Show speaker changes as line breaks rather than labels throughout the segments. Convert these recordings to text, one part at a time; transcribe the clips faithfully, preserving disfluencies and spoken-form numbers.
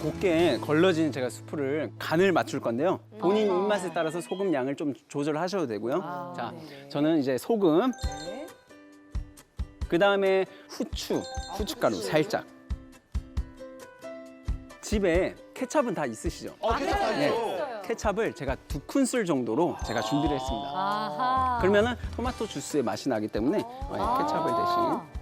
곱게 걸러진 제가 수프를 간을 맞출 건데요. 본인 입맛에 따라서 소금 양을 좀 조절하셔도 되고요.
아,
자,
네네.
저는 이제 소금,
네.
그 다음에 후추, 후춧가루 살짝. 집에 케찹은 다 있으시죠?
어, 케첩 다
네.
있어.
케찹을 제가 두 큰술 정도로 제가 준비를 했습니다.
아하.
그러면은 토마토 주스의 맛이 나기 때문에 어, 케찹을 대신.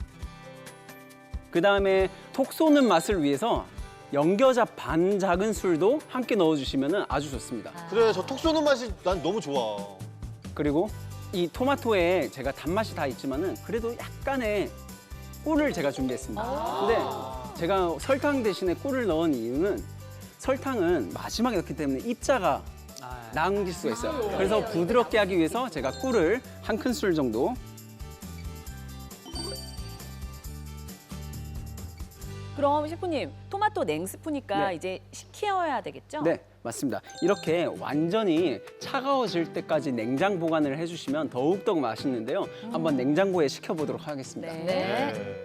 그 다음에 톡 쏘는 맛을 위해서 연겨자 반 작은 술도 함께 넣어주시면 아주 좋습니다.
그래, 저 톡 쏘는 맛이 난 너무 좋아.
그리고 이 토마토에 제가 단맛이 다 있지만은 그래도 약간의 꿀을 제가 준비했습니다. 근데 제가 설탕 대신에 꿀을 넣은 이유는 설탕은 마지막에 넣기 때문에 입자가 남길 수가 있어요. 그래서 부드럽게 하기 위해서 제가 꿀을 한 큰술 정도.
그럼 셰프님, 토마토 냉스프니까
네.
이제 식혀야 되겠죠?
네, 맞습니다. 이렇게 완전히 차가워질 때까지 냉장 보관을 해주시면 더욱더 맛있는데요. 한번 냉장고에 식혀보도록 하겠습니다.
네.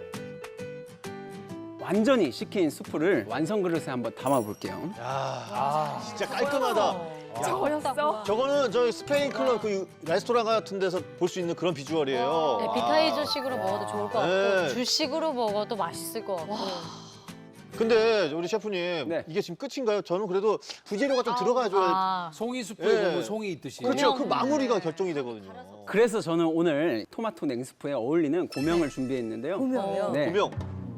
완전히 식힌 수프를 완성 그릇에 한번 담아볼게요.
야, 진짜 깔끔하다.
저였어?
저거는 저희 스페인 클럽 그 레스토랑 같은 데서 볼 수 있는 그런 비주얼이에요.
네, 비타이저식으로 먹어도 좋을 것 같고
네.
주식으로 먹어도 맛있을 것 같고.
근데 우리 셰프님,
네.
이게 지금 끝인가요? 저는 그래도 부재료가 좀 들어가줘야.
아,
송이 숲에
예.
보면 송이 있듯이.
그렇죠. 그 마무리가 결정이 되거든요.
그래서 저는 오늘 토마토 냉스프에 어울리는 고명을 준비했는데요.
보면요.
네.
고명.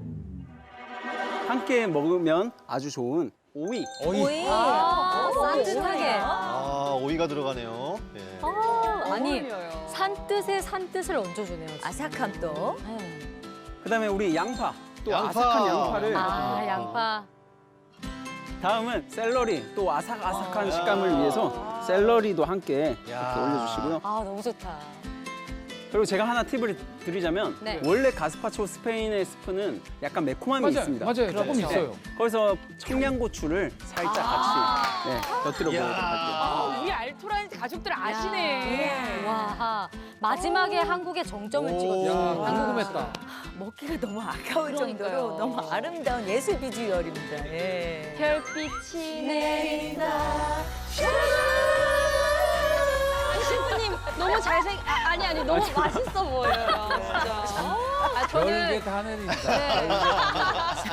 함께 먹으면 아주 좋은 오이.
어이.
아, 산뜻하게.
아, 오이가 들어가네요. 예.
아, 아니, 산뜻에 산뜻을 얹어주네요. 진짜.
아삭함 또.
네.
그다음에 우리 양파. 또
양파.
아삭한 양파를.
아, 양파.
다음은 샐러리. 또 아삭아삭한
아.
식감을 위해서 샐러리도 함께 이렇게
야.
올려주시고요.
아, 너무 좋다.
그리고 제가 하나 팁을 드리자면
네.
원래 가스파초 스페인의 스프는 약간 매콤함이
맞아요,
있습니다.
맞아요. 조금 있어요.
거기서 청양고추를 살짝 같이 네, 곁들여 보도록 할게요.
야.
우리 알토란 가족들 아시네.
와, 마지막에 한국의 정점을 찍었죠.
야, 궁금했다.
먹기가 너무 아까울
그러니까요.
정도로 너무 아름다운 예술 비주얼입니다. 예.
별빛이 내린다. 셰프님 너무 잘생 아, 아니 아니 너무 맛있어 보여요. 진짜.
아,
별게
저는
다 내린다.